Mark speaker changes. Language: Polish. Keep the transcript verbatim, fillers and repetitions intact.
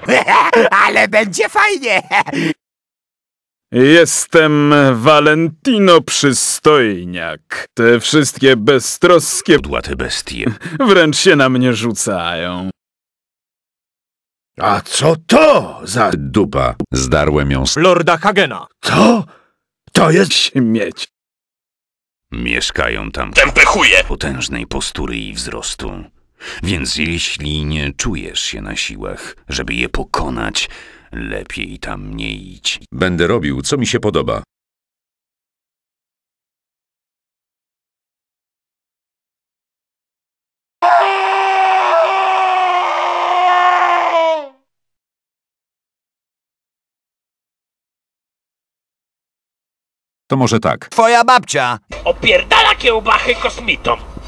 Speaker 1: Ale będzie fajnie!
Speaker 2: Jestem Valentino Przystojniak. Te wszystkie beztroskie
Speaker 3: Kudłate bestie.
Speaker 2: wręcz się na mnie rzucają.
Speaker 4: A co to za dupa?
Speaker 3: Zdarłem ją z
Speaker 5: Lorda Hagena.
Speaker 4: Co? To jest...
Speaker 2: Śmieć.
Speaker 3: Mieszkają tam
Speaker 5: Tępe chuje.
Speaker 3: potężnej postury i wzrostu. Więc jeśli nie czujesz się na siłach, żeby je pokonać, lepiej tam nie idź.
Speaker 4: Będę robił, co mi się podoba.
Speaker 3: To może tak.
Speaker 1: Twoja babcia!
Speaker 5: Opierdala kiełbachy kosmitom.